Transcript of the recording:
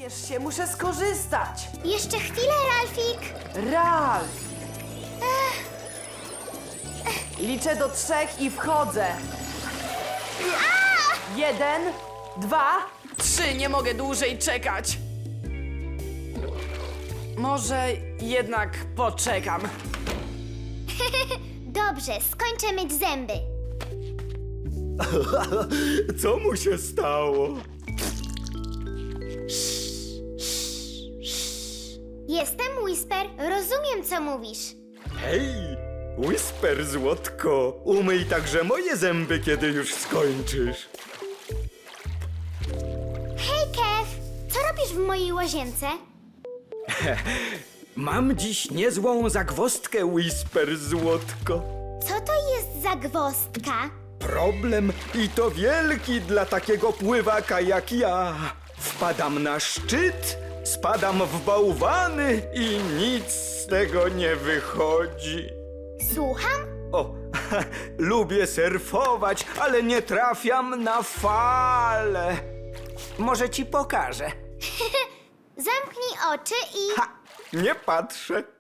Spiesz się, muszę skorzystać. Jeszcze chwilę, Ralfik. Ralf! Liczę do 3 i wchodzę. 1, 2, 3. Nie mogę dłużej czekać. Może jednak poczekam. Dobrze, skończę myć zęby. Co mu się stało? Jestem Whisper, rozumiem, co mówisz. Hej, Whisper, złotko, umyj także moje zęby, kiedy już skończysz. Hej, Kev, co robisz w mojej łazience? Mam dziś niezłą zagwozdkę, Whisper, złotko. Co to jest za gwozdka? Problem i to wielki dla takiego pływaka jak ja. Wpadam na szczyt, spadam w bałwany i nic z tego nie wychodzi. Słucham? O, lubię surfować, ale nie trafiam na fale. Może ci pokażę. Zamknij oczy i... Ha, nie patrzę.